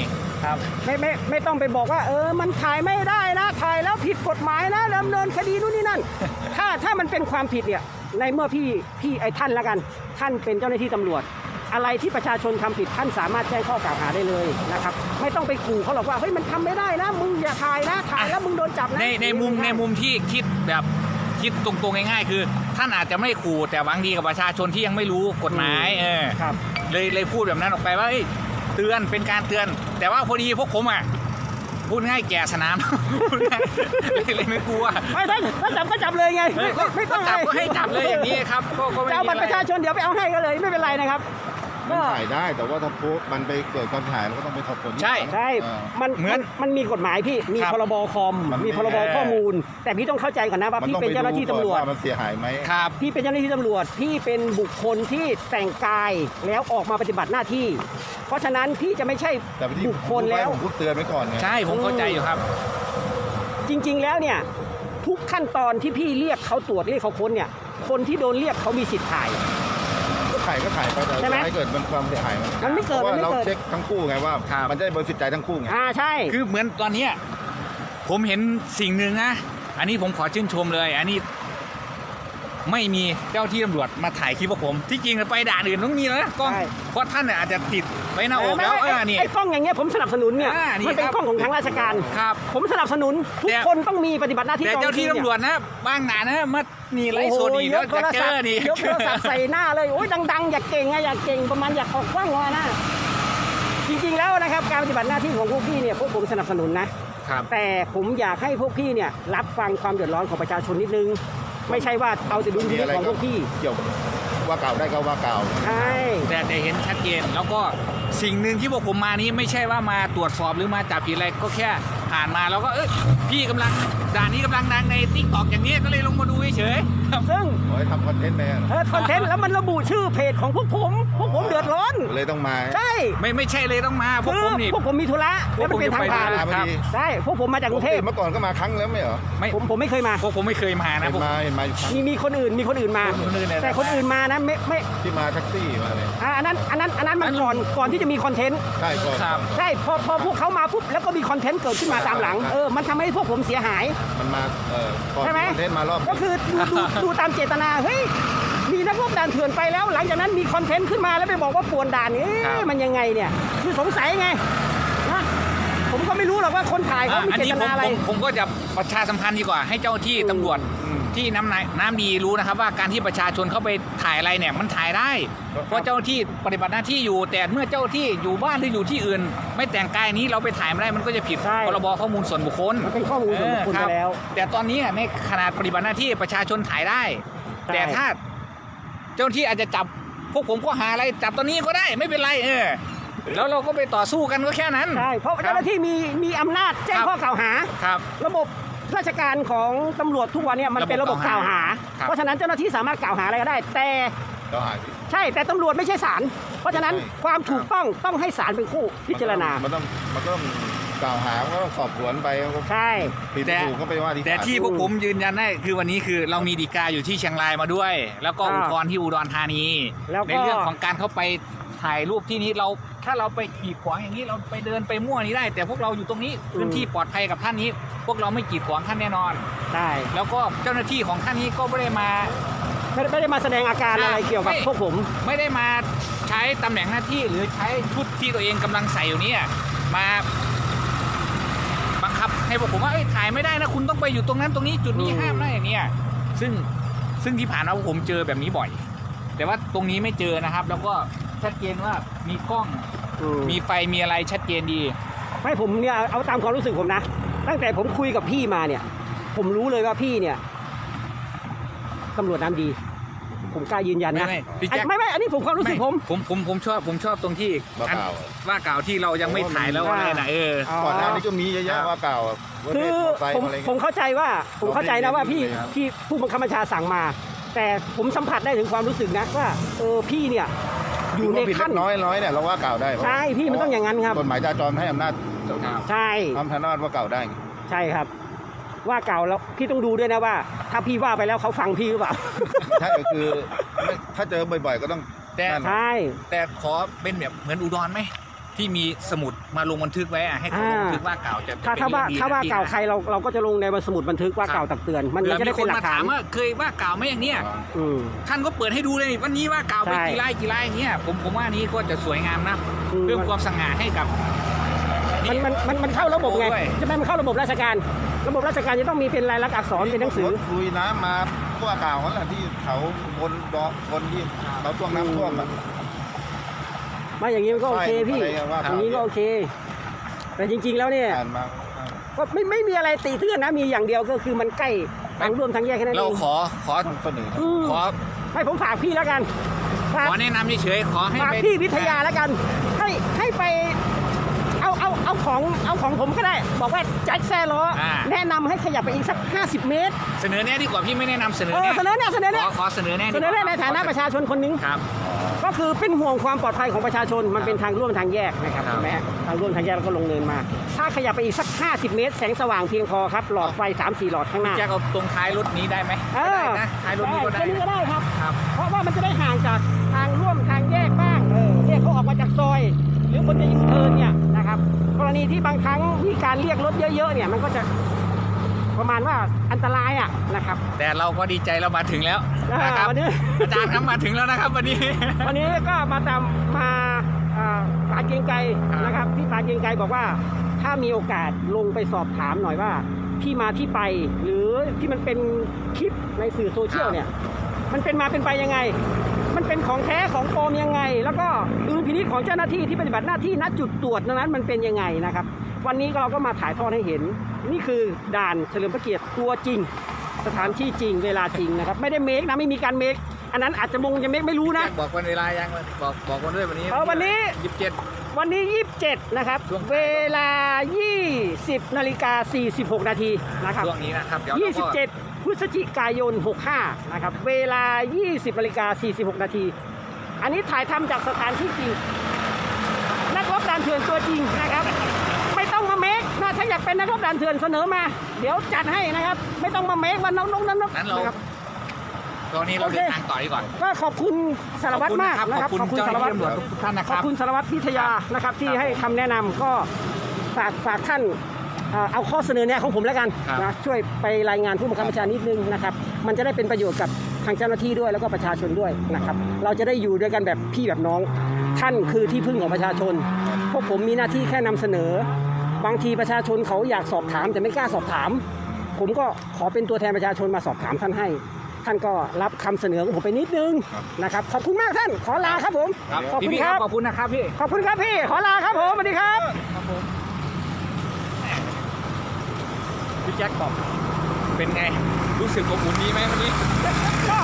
Speaker 2: ครับ
Speaker 1: ไม่ไม่ไม่ต้องไปบอกว่าเออมันถ่ายไม่ได้นะถ่ายแล้วผิดกฎหมายนะดำเนินคดีนู่นนี่นั่น ถ้าถ้ามันเป็นความผิดเนี่ยในเมื่อพี่พี่ไอ้ท่านละกันท่านเป็นเจ้าหน้าที่ตำรวจ อะไรที่ประชาชนทำผิดท่านสามารถแจ้งข้อกล่าวหาได้เลยนะครับไม่ต้องไปขู่เขาหรอกว่าเฮ้ยมันทำไม่ได้นะมึงอย่าถ่ายนะถ่ายแล้วมึงโดนจับนะ
Speaker 2: ในในมุมในมุมที่คิดแบบคิดตรงๆง่ายๆคือ ท่านอาจจะไม่ขู่แต่หวังดีกับประชาชนที่ยังไม่รู้กฎหมายเออ
Speaker 1: ครับ
Speaker 2: เลยเลยพูดแบบนั้นออกไปว่าเอ้ยเตือนเป็นการเตือน แต่ว่าพอดีพวกผมอ่ะพูดง่ายแก่สนาม พูดง่ายเลยเลยไม่กลัว
Speaker 1: ไม่ถ้าถ้าจับก็จับเลยไง
Speaker 2: เอ
Speaker 1: ไม่
Speaker 2: อ
Speaker 1: ไม่ไม่ต้อง
Speaker 2: จับก็ให้จับเลยอย่างนี้ครับก็ก็ไม่
Speaker 1: จะเอา
Speaker 2: มี
Speaker 1: บัตร
Speaker 2: อะ
Speaker 1: ประชา
Speaker 2: ไร
Speaker 1: ชนเดี๋ยวไปเอาให้ก็เลยไม่เป็นไรนะครับ
Speaker 3: มันถ่ายได้แต่ว่าถ้าปุ๊บมันไปเกิดความถ่ายมันก็ต้องไปสอบสวน
Speaker 2: ใช่
Speaker 1: ใช่
Speaker 3: เออ
Speaker 1: มัน
Speaker 2: เหมือน
Speaker 1: มันมีกฎหมายพี่ มี
Speaker 2: ครับ
Speaker 1: พรบคอม
Speaker 3: มัน
Speaker 1: มีพรบ
Speaker 2: เออ
Speaker 1: ข้อมูล แต่พี่ต้องเข้าใจก่อนนะว่า
Speaker 3: มัน
Speaker 1: พี่
Speaker 3: ต้อง
Speaker 1: เป็น
Speaker 3: ไป
Speaker 1: เจ้าหน้าที่
Speaker 3: ดูก่อน
Speaker 1: ตำรวจ
Speaker 3: ว่ามันเสียหายไหม
Speaker 2: ครับ
Speaker 1: พี่เป็นเจ้าหน้าที่ตำรวจ พี่เป็นบุคคลที่แต่งกายแล้วออกมาปฏิบัติหน้าที่ เพราะฉะนั้นพี่จะไม่ใช่
Speaker 3: แต่ที่
Speaker 1: บุคคลแล้ว
Speaker 3: ผมพูดเตือนไว้ก่อนไง
Speaker 2: ใช่ผมเข้าใจอยู่ครับ
Speaker 1: จริง ๆ แล้วเนี่ยทุกขั้นตอนที่พี่เรียกเขาตรวจเรียกเขาค้นเนี่ย คนที่โดนเรียกเขามีสิทธิ์ถ่าย
Speaker 3: ก็ถ่ายก็ถ่ายไปแต่
Speaker 1: ใช่ไหม
Speaker 3: ให้เกิดมันความเสียหายมัน
Speaker 1: มันไม่เกิด
Speaker 3: เพราะ
Speaker 1: มัน
Speaker 3: ว่า
Speaker 1: ไม่
Speaker 3: เรา
Speaker 1: เกิด
Speaker 3: เช็คทั้งคู่ไงว่า
Speaker 2: ครับ
Speaker 3: มันจะได้บริสุทธิ์ใจทั้งคู่ไง
Speaker 1: อ่าใช่
Speaker 2: คือเหมือนตอนเนี้ยผมเห็นสิ่งหนึ่งนะ อันนี้ผมขอชื่นชมเลย อันนี้ไม่มีเจ้าที่ตำรวจมาถ่ายคลิปพวกผม ที่จริงไปด่านอื่นต้องมีนะกล้อง
Speaker 1: ใช่
Speaker 2: เพราะท่านเนี่ยอาจจะติดไว้หน้าอกแล้วเอ
Speaker 1: ไอ้
Speaker 2: อนี่
Speaker 1: ไอ้กล้องอย่างเงี้ยผมสนับสนุนเนี่ย
Speaker 2: อ่านี่
Speaker 1: มันเป็น
Speaker 2: ครับ
Speaker 1: กล้องของทางราชการ
Speaker 2: ครับ
Speaker 1: ผมสนับสนุนทุก
Speaker 2: แต่
Speaker 1: คนต้องมีปฏิบัติหน้าที่
Speaker 2: แต่
Speaker 1: กอง
Speaker 2: เจ้าที่
Speaker 1: เนี่ย
Speaker 2: ตำรวจนะบางด่านนะมานี่ไลฟ์สดนี่
Speaker 1: ย
Speaker 2: แล้ว
Speaker 1: กโท
Speaker 2: จะ
Speaker 1: ร
Speaker 2: เจ
Speaker 1: ศัพ
Speaker 2: อ
Speaker 1: ท์
Speaker 2: นี่
Speaker 1: ยกโทรศัพท์ใส่หน้าเลยโอ้ยดังๆ อยากเก่งอะอยากเก่งประมาณอยากออกกว้างวานะจริงๆแล้วนะครับการปฏิบัติหน้าที่ของพวกพี่เนี่ยพวกผมสนับสนุนนะ
Speaker 2: ครับ
Speaker 1: แต่ผมอยากให้พวกพี่เนี่ยรับฟังความเดือดร้อนของประชาชนนิดนึง ไม่ใช่ว่าเอาแต่ดุลพิ
Speaker 3: มี
Speaker 1: นิจ
Speaker 3: อะไร
Speaker 1: ของพ
Speaker 3: ก็
Speaker 1: วกพี่
Speaker 3: เกี่ยวว่าเก่าได้ก็ว่าเก่า
Speaker 1: ใช่
Speaker 2: แต่แต่เห็นชัดเจนแล้วก็สิ่งหนึ่งที่พวกผมมานี้ไม่ใช่ว่ามาตรวจสอบหรือมาจับผิดอะไรก็แค่ผ่านมาแล้วก็เอ้ยพี่กำลังด่านนี้กำลังดังในติ๊กต็อกอย่างนี้ก็เลยลงมาดูเฉยๆครับ
Speaker 1: ซึ่ง
Speaker 3: ขอให้ทำคอนเทนต์ไปอะ
Speaker 1: เออคอนเทนต์แล้วมันระบุชื่อเพจของพวกผม พวกผมเดือดร้อน
Speaker 3: เลยต้องมา
Speaker 1: ใช่
Speaker 2: ไม่ไม่ใช่เลยต้องมาพวก
Speaker 1: คือ
Speaker 2: ผมนี่
Speaker 1: พวกผมมีธุระแล้วมันเป็นทางผ่าน
Speaker 2: พวกผมจะไป
Speaker 3: พอดี
Speaker 1: ใช่พวกผมมาจากกรุงเทพ
Speaker 3: เมื่อก่อนก็มาครั้งแล้วไม่เหรอ
Speaker 2: ไม่
Speaker 1: ผมผมไม่เคยมา
Speaker 2: พวกผมไม่เคยมานะ
Speaker 3: เห็น
Speaker 2: พวก
Speaker 3: มาเห็นมาอยู่ครั้ง
Speaker 1: มีมีคนอื่นมีคนอื่นมา
Speaker 2: คนอื่นเนี่ย
Speaker 1: แต่คนอื่นมานะไม่ไม่
Speaker 3: ที่มาแท็กซี่มาเลย
Speaker 1: อ่าอันนั้นอันนั้นอันนั้นมันก่อนก่อนที่จะมีคอนเทนต์
Speaker 3: ใช่ก่อน
Speaker 2: ครับ
Speaker 1: ใช่พอพอพวกเขามาปุ๊บแล้วก็มีคอนเทนต์เกิดขึ้นมาตามหลัง
Speaker 3: ใช่
Speaker 1: เออมันทำให้พวกผมเสียหาย
Speaker 3: มันมาเอ่อก่อน
Speaker 1: ใช่ไหม
Speaker 3: คอนเทนต์มารอบ
Speaker 1: ก็คือดูดูดูตามเจตนาเฮ้ยมีนักรบด่านเถื่อนไปแล้ว หลังจากนั้นมีคอนเทนต์ขึ้นมาแล้วไปบอกว่าป่วนด่านนี่
Speaker 2: ครับ
Speaker 1: มันยังไงเนี่ยคือสงสัยไงนะผมก็ไม่รู้หรอกว่าคนถ่ายเขา
Speaker 2: อ่ะ
Speaker 1: มี
Speaker 2: อัน
Speaker 1: เจ
Speaker 2: นี้
Speaker 1: ต
Speaker 2: ผม
Speaker 1: นาอะไร
Speaker 2: ผมผมก็จะประชาสัมพันธ์ดีกว่าให้เจ้าที่ตำรวจ
Speaker 3: อืม
Speaker 2: ที่น้ำน้ำน้ำดีรู้นะครับว่าการที่ประชาชนเข้าไปถ่ายอะไรเนี่ยมันถ่ายได้ เพราะเจ้าที่ปฏิบัติหน้าที่อยู่ แต่เมื่อเจ้าที่อยู่บ้านหรืออยู่ที่อื่น ไม่แต่งกายนี้เราไปถ่ายไม่ได้มันก็จะผิด
Speaker 1: ใช่
Speaker 2: พรบข้อมูลส่วนบุคคล
Speaker 1: มันเป็นข้อมูลส่วนบุคคล
Speaker 2: เออ
Speaker 1: ไปแล้ว
Speaker 2: แต่ตอนนี้ในขนาดปฏิบัติหน้าที่ประชาชนถ่ายได้
Speaker 1: ใช่
Speaker 2: แต่ถ้าเจ้าหน้าที่อาจจะจับพวกผมก็หาอะไรจับตอนนี้ก็ได้ไม่เป็นไรเออแล้วเราก็ไปต่อสู้กันก็แค่นั้น
Speaker 1: ใช่เพราะเจ้าหน้าที่มีมีอำนาจแจ้ง
Speaker 2: ครับ
Speaker 1: ข้อกล่าวหา
Speaker 2: ครับ
Speaker 1: ระบบราชการของตำรวจทุกวันเนี่ยมันเป็นระบบกล่าวหา
Speaker 2: ครับ
Speaker 1: เพราะฉะนั้นเจ้าหน้าที่สามารถกล่าวหาอะไรก็ได้ แต่
Speaker 3: เราหา
Speaker 1: ใช่แต่ตำรวจไม่ใช่ศาลเพราะฉะนั้น
Speaker 3: ใช่
Speaker 1: ความถูกต้องต้องให้ศาลเป็นผู้พิจารณา
Speaker 3: มันต้องมันก็ต้องกล่าวหาก็ต้องสอบสวนไป
Speaker 1: ใช่
Speaker 3: ผิด
Speaker 2: แต่
Speaker 3: ถูกก็ไปว่าที่
Speaker 2: แต่
Speaker 3: ศาล
Speaker 2: ที่พวกผมยืนยันได้คือวันนี้คือเรามีฎีกาอยู่ที่เชียงรายมาด้วย แล้วก็
Speaker 1: อ่า
Speaker 2: อุทธรณ์ที่อุดรธานี
Speaker 1: แล้วก็
Speaker 2: ในเรื่องของการเข้าไปถ่ายรูปที่นี้เราถ้าเราไปกีดขวางอย่างนี้เราไปเดินไปมั่วนี้ได้ แต่พวกเราอยู่ตรงนี้พื้นที่ปลอดภัยกับท่านนี้ พวกเราไม่กีดขวางท่านแน่นอน
Speaker 1: ใช่
Speaker 2: แล้วก็เจ้าหน้าที่ของท่านนี้ก็ไม่ได้มา
Speaker 1: ไม่ได้ไม่ได้มาแสดงอาการอะไร
Speaker 2: อ่า
Speaker 1: เกี่ยวกับ
Speaker 2: ไม่
Speaker 1: พวกผม
Speaker 2: ไม่ได้มาใช้ตำแหน่งหน้าที่หรือใช้ชุดที่ตัวเองกำลังใส่อยู่เนี่ยมาบังคับให้พวกผมว่าเอ้ยถ่ายไม่ได้นะคุณต้องไปอยู่ตรงนั้นตรงนี้จุดนี้
Speaker 1: อืม
Speaker 2: ห้ามนะอย่างเนี้ยซึ่งซึ่งที่ผ่านมาพวกผมเจอแบบนี้บ่อย แต่ว่าตรงนี้ไม่เจอนะครับ แล้วก็ชัดเจนว่ามีกล้อง
Speaker 1: อืม
Speaker 2: มีไฟมีอะไรชัดเจนดี
Speaker 1: ไม่ผมเนี่ยเอาตามความรู้สึกผมนะ ตั้งแต่ผมคุยกับพี่มาเนี่ย ผมรู้เลยว่าพี่เนี่ยตำรวจน้ำดี ผมกล้ายืนยันนะ
Speaker 2: ไม่ไม่พี่แจ็ค
Speaker 1: ไม่ไม่อันนี้ผมความรู้สึกผม
Speaker 2: ผมผมผมชอบผมชอบตรงที่
Speaker 3: ว่า
Speaker 2: อัน
Speaker 3: เก่า
Speaker 2: ว่ากล่าวที่เรายังไม่ถ่ายแล้วอะไรนะเออ
Speaker 1: อ๋อ
Speaker 3: ก่อนหน้านี้ก็มีเยอะแยะว่าเก่าว่า
Speaker 1: คื
Speaker 3: เท
Speaker 1: อ
Speaker 3: ศมอไซค์
Speaker 1: ผม
Speaker 3: อะไร
Speaker 1: ผม
Speaker 3: เงี้ย
Speaker 1: เข้าใจว่าผมเข้าใจนะว่าพี่
Speaker 3: ครับ
Speaker 1: พี่ผู้บังคับบัญชาสั่งมา แต่ผมสัมผัสได้ถึงความรู้สึกนะว่าเออพี่เนี่ยอยู่ใน
Speaker 3: ผิดเล็
Speaker 1: ขั้น
Speaker 3: กน้อยน้อยเนี่ยเราว่าเก่าได้
Speaker 1: ใช่พี่มันต้องอย่างนั้นครับ
Speaker 3: กฎหมายจราจรให้อำนาจ
Speaker 1: ใช่
Speaker 3: ทำอำนาจว่าเก่าได้
Speaker 1: ใช่ครับ ว่าเก่าแล้วพี่ต้องดูด้วยนะว่า ถ้าพี่ว่าไปแล้วเขาฟังพี่หรือเปล่า
Speaker 3: ใช่ก็คือไม่ถ้าเจอบ่อยๆก็ต้อง
Speaker 2: แต่
Speaker 3: นั่น
Speaker 1: ใช่
Speaker 2: แต่ขอเป็นแบบเหมือนอุดรไหมที่มีสมุดมาลงบันทึกไว้อะให้เขาลงบันทึกว่ากล่าวจะ
Speaker 1: ถ้า
Speaker 2: จะ
Speaker 1: ถ้าว่า
Speaker 2: เป็นเรื่องดี
Speaker 1: ถ้าว่า
Speaker 2: นะพี่
Speaker 1: กล่าว
Speaker 2: นะ
Speaker 1: ใครเราเราก็จะลงในสมุดบันทึกว่า
Speaker 2: ครับ
Speaker 1: กล่าวตักเตือนมัน
Speaker 2: เผื่
Speaker 1: มัน
Speaker 2: อ
Speaker 1: จะได้
Speaker 2: มีค
Speaker 1: เป็น
Speaker 2: น
Speaker 1: หลั
Speaker 2: มาก
Speaker 1: ฐา
Speaker 2: ถาน มว่าเคยว่ากล่าวไหมอย่างเนี้ย
Speaker 1: อืม
Speaker 2: ท่านก็เปิดให้ดูเลยนี่วันนี้ว่ากล่าวไป
Speaker 1: ใช่
Speaker 2: กี่ไร่กี่ไร่อย่างเงี้ยผมผมว่านี้ก็จะสวยงามนะ
Speaker 1: อืม
Speaker 2: เพิ่มความสง่าให้กับ
Speaker 1: มันมันมันมันเข้าระบบไง
Speaker 2: ด้วย
Speaker 1: ใช่ไหมมันเข้าระบบราชการ ระบบราชการจะต้องมีเป็นลายลักษณ์อักษรเป็นหนังสือ
Speaker 3: ลุยน้ำมาทั่วเก่านั่นแหละที่เขาบนดอกบนที่เราช่วงน้ำท่วมอะ
Speaker 1: มาอย่างนี้มันก็โอเคพี่
Speaker 3: อะไรว่า
Speaker 1: อย่างนี้ก็โอเค แต่จริงๆแล้วเนี่ย
Speaker 3: ผ่านมา
Speaker 1: ก็ไม่ไม่มีอะไรตีเตือนนะ มีอย่างเดียวก็คือมันใกล้ทางร่วมทางแยกแค่นั้นเอ
Speaker 2: เรา
Speaker 1: ง
Speaker 2: ขอขอ
Speaker 3: เสนอ
Speaker 1: อืม
Speaker 2: ขอ
Speaker 1: ให้ผมฝากพี่แล้วกันฝาก
Speaker 2: ขอแนะนำเฉยๆขอให้
Speaker 1: ฝาก
Speaker 2: ไป
Speaker 1: พี่วิทยาแล้วกัน ให้ให้ไปเอาเอาเอาของเอาของผมก็ได้ บอกว่าแจ็คแซ่ล้ออา แนะนำให้ขยับไปอีกสักห้าสิบเมตร
Speaker 2: เสนอแน่ดีกว่าพี่ไม่แนะนำเสนอ
Speaker 1: เออ
Speaker 2: แน่
Speaker 1: เสนอเนี่ยเสนอ
Speaker 2: ข
Speaker 1: เนี่ย
Speaker 2: อขอเสนอแน่ดี
Speaker 1: เส
Speaker 2: ก
Speaker 1: น
Speaker 2: ว่า
Speaker 1: อเนี่ยในฐานะประชาชนคนหนึง
Speaker 2: ครับ
Speaker 1: ก็คือเป็นห่วงความปลอดภัยของประชาชนมันเป็นทางร่วมทางแยกนะครับ
Speaker 2: ครับ
Speaker 1: ใช่ไหมฮะทางร่วมทางแยกแล้วก็ลงเนินมา ถ้าขยับไปอีกสักห้าสิบเมตร แสงสว่างเพียงพอครับหลอดไฟสามสี่หลอดข้างหน้า
Speaker 2: แจ็คเอาตรงท้ายรถนี้ได้ไหม
Speaker 1: เอ
Speaker 2: ก็
Speaker 1: อ
Speaker 2: ได้นะท้ายรถนี้ก็ได้
Speaker 1: แค่นี้ก็ได้ครับ
Speaker 2: ครับ
Speaker 1: เพราะว่ามันจะได้ห่างจากทางร่วมทางแยกบ้างเออเรียกเขาออกมาจากซอย หรือคนจะยูเทิร์นเนี่ยนะครับกรณีที่บางครั้งมีการเรียกรถเยอะๆเนี่ยมันก็จะประมาณว่าอันตรายอ่ะนะครับ
Speaker 2: แต่เราก็ดีใจเรามาถึงแล้ว
Speaker 1: อ่า
Speaker 2: นะครับ
Speaker 1: วันนี้
Speaker 2: อาจารย์ครับมาถึงแล้วนะครับวันนี้
Speaker 1: วันนี้ก็มาตามมาอ่าป่าเกรียงไกร
Speaker 2: ครับ
Speaker 1: นะครับที่ป่าเกรียงไกรบอกว่าถ้ามีโอกาสลงไปสอบถามหน่อยว่าที่มาที่ไป หรือที่มันเป็นคลิปในสื่อโซเชียลเนี่ยมันเป็นมาเป็นไปยังไง มันเป็นของแท้ของปลอมยังไง แล้วก็ดุลพินิจของเจ้าหน้าที่ที่ปฏิบัติหน้าที่ณจุดตรวจนั้นมันเป็นยังไงนะครับวันนี้เราก็มาถ่ายทอดให้เห็น นี่คือด่านเฉลิมพระเกียรติตัวจริง สถานที่จริงเวลาจริงนะครับไม่ได้เมคนะไม่มีการเมคอันนั้นอาจจะมงจะเมคไม่รู้นะ
Speaker 2: แจ็คบอกวันเวลายังบอกบอกวันด้วยวันนี้
Speaker 1: เออวันนี้
Speaker 2: ยี่สิบเจ็ด
Speaker 1: วันนี้ยี่สิบเจ็ดนะครับ
Speaker 2: ช่วง
Speaker 1: เวลายี่สิบนาฬิกาสี่สิบหกนาทีนะครับ
Speaker 2: ช่วงนี้นะครับเดี๋ยว
Speaker 1: ยี่
Speaker 2: เรา
Speaker 1: สิบ
Speaker 2: ก็
Speaker 1: เจ็ดพฤศจิกายนหกห้านะครับเวลายี่สิบนาฬิกาสี่สิบหกนาทีอันนี้ถ่ายทำจากสถานที่จริงนักรบด่านเถื่อนตัวจริงนะครับไม่ต้องมาเมคนะถ้าอยากเป็นนักรบด่านเถื่อนเสนอมา เดี๋ยวจัดให้นะครับไม่ต้องมาเมควันน้องน้องนั้น
Speaker 2: นั้นเรา
Speaker 1: นะครับ
Speaker 2: ตอนนี้เรา
Speaker 1: โอเค
Speaker 2: เดินทางต่อดีก่อน
Speaker 1: ก็ขอบคุณสารวัตรมากนะครับ
Speaker 2: ขอบคุณเจ้าหน้าที่ตำรวจทุกท่านนะค
Speaker 1: ขอ
Speaker 2: รั
Speaker 1: บบ คุณสารวัตรพิทยานะครับที่ให้คำแนะนำก็ฝากฝากท่านเอ่อเอาข้อเสนอแนะของผมแล้วกัน
Speaker 2: ครับ
Speaker 1: นะช่วยไปรายงานผู้บังคับบัญชานิดนึงนะครับมันจะได้เป็นประโยชน์กับทางเจ้าหน้าที่ด้วยแล้วก็ประชาชนด้วยนะครับเราจะได้อยู่ด้วยกันแบบพี่แบบน้อง ท่านคือที่พึ่งของประชาชน พวกผมมีหน้าที่แค่นำเสนอ บางทีประชาชนเขาอยากสอบถามแต่ไม่กล้าสอบถาม ผมก็ขอเป็นตัวแทนประชาชนมาสอบถามท่านให้ ท่านก็รับคำเสนอของผมไปนิดนึงนะครับขอบคุณมากท่านขอลาครับผม
Speaker 2: ครับ
Speaker 1: ขอบคุณ
Speaker 2: พี่
Speaker 1: ค
Speaker 2: ค
Speaker 1: รั
Speaker 2: รับ บขอบคุณนะครับพี่
Speaker 1: ขอบคุณครับพี่ ขอลาครับผมสวัสดีครับ
Speaker 2: พี่แจ็คบอกเป็นไงรู้สึกอบอุ่นดีไหมวันนี้
Speaker 1: ก็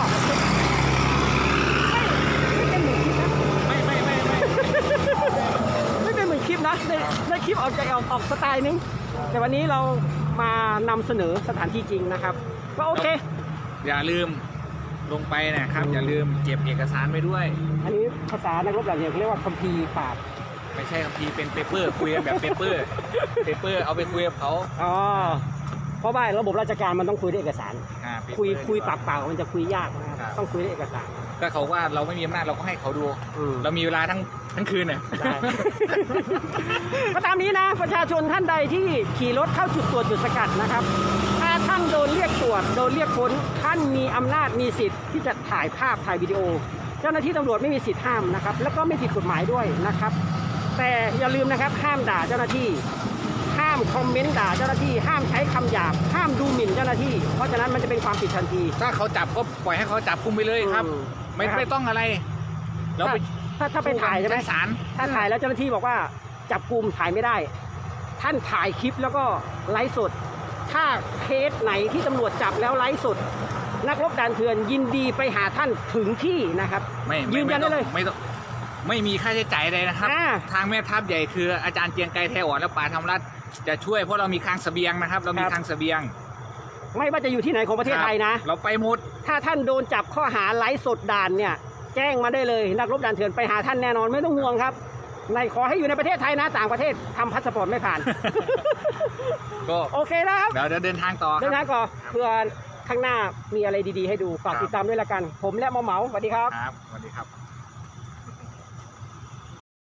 Speaker 1: ไม่ไม่เป็นเหมือนคลิปนะ
Speaker 2: ไม่ไม่ไม่ไม่
Speaker 1: ไม่เป็นเหมือนคลิปนะในในคลิปออกจากออกออกสไตล์นึง แต่วันนี้เรามานำเสนอสถานที่จริงนะครับ ก็โอเค
Speaker 2: อย่าลืมลงไปนะครับ อย่าลืมเก็บเอกสารไว้ด้วย
Speaker 1: อันนี้ภาษานักรบหลังเนี่ยเขาเรียกว่าคัมภีร์ปราบ
Speaker 2: ไม่ใช่ครับพี่เป็นเปเปอร์คุยกันแบบเปเปอร์เปเปอร์เอาไปคุยกับเขา
Speaker 1: อ๋อเพราะว่าระบบราชการมันต้องคุยด้วยเอกสาร
Speaker 2: อ่า paper
Speaker 1: คุยคุย
Speaker 2: ดีก
Speaker 1: ปา
Speaker 2: ว่าก
Speaker 1: เปล่ามันจะคุยยากนะครับ
Speaker 2: ครับ
Speaker 1: ต้องคุยด้วยเอกสาร
Speaker 2: ก็เขาว่าเราไม่มีอำนาจเราก็ให้เขาดู
Speaker 1: อืม
Speaker 2: เรามีเวลาทั้งทั้งคืนเนี่ย
Speaker 1: ได้ ก็ตามนี้นะประชาชนท่านใดที่ขี่รถเข้าจุดตรวจจุดสกัดนะครับ ถ้าท่านโดนเรียกตรวจโดนเรียกค้นท่านมีอำนาจมีสิทธิ์ที่จะถ่ายภาพถ่ายวิดีโอ เจ้าหน้าที่ตำรวจไม่มีสิทธิ์ห้ามนะครับ แล้วก็ไม่ผิดกฎหมายด้วยนะครับ แต่อย่าลืมนะครับห้ามด่าเจ้าหน้าที่ ห้ามคอมเมนต์ด่าเจ้าหน้าที่ห้ามใช้คำหยาบห้ามดูหมิ่นเจ้าหน้าที่ เพราะฉะนั้นมันจะเป็นความผิดทันที
Speaker 2: ถ้าเขาจับก็ปล่อยให้เขาจับกุมไปเลยครับ
Speaker 1: อืม
Speaker 2: ไม่
Speaker 1: นะครับ
Speaker 2: ไม่ต้องอะไรเราไป
Speaker 1: ถ้าถ้าไปถ่ายใช่ไหม
Speaker 2: ชั้นศาล
Speaker 1: ถ้าถ่ายแล้วเจ้าหน้าที่บอกว่าจับกลุ่มถ่ายไม่ได้ ท่านถ่ายคลิปแล้วก็ไลฟ์สด ถ้าเคสไหนที่ตำรวจจับแล้วไลฟ์สด นักรบด่านเถื่อนยินดีไปหาท่านถึงที่นะครับ
Speaker 2: ไม่
Speaker 1: ยื
Speaker 2: ไม่
Speaker 1: นยันได้เลย
Speaker 2: ไม่ต้องไม่มีค่าใช้จ่ายใดนะครับ
Speaker 1: อ่า
Speaker 2: ทางแม่ทัพใหญ่คืออาจารย์เจียงไกรแทอ่อนและป่าธรรมรัฐจะช่วยเพราะเรามีคลังเสบียงนะครับ เรามีคลังเสบียง
Speaker 1: ไม่ว่าจะอยู่ที่ไหนของประเทศไทยนะ
Speaker 2: เราไปหมด
Speaker 1: ถ้าท่านโดนจับข้อหาไลฟ์สดด่านเนี่ยแจ้งมาได้เลยนักรบด่านเถื่อนไปหาท่านแน่นอนไม่ต้องห่วงครับในขอให้อยู่ในประเทศไทยนะต่างประเทศทำพาสปอร์ตไม่ผ่าน
Speaker 2: ก็
Speaker 1: โอเคนะครับ
Speaker 2: เดี๋ยวเดี๋ยวเดินทางต่อค
Speaker 1: เดิน
Speaker 2: รั
Speaker 1: ทา
Speaker 2: บ
Speaker 1: งก่อนเพื่อข้างหน้ามีอะไรดีๆให้ดูฝาก
Speaker 2: ครับ
Speaker 1: ติดตามด้วยละกัน ผมและหมอเหมาสวัสดีครับ
Speaker 2: ครับสวัสดีครับ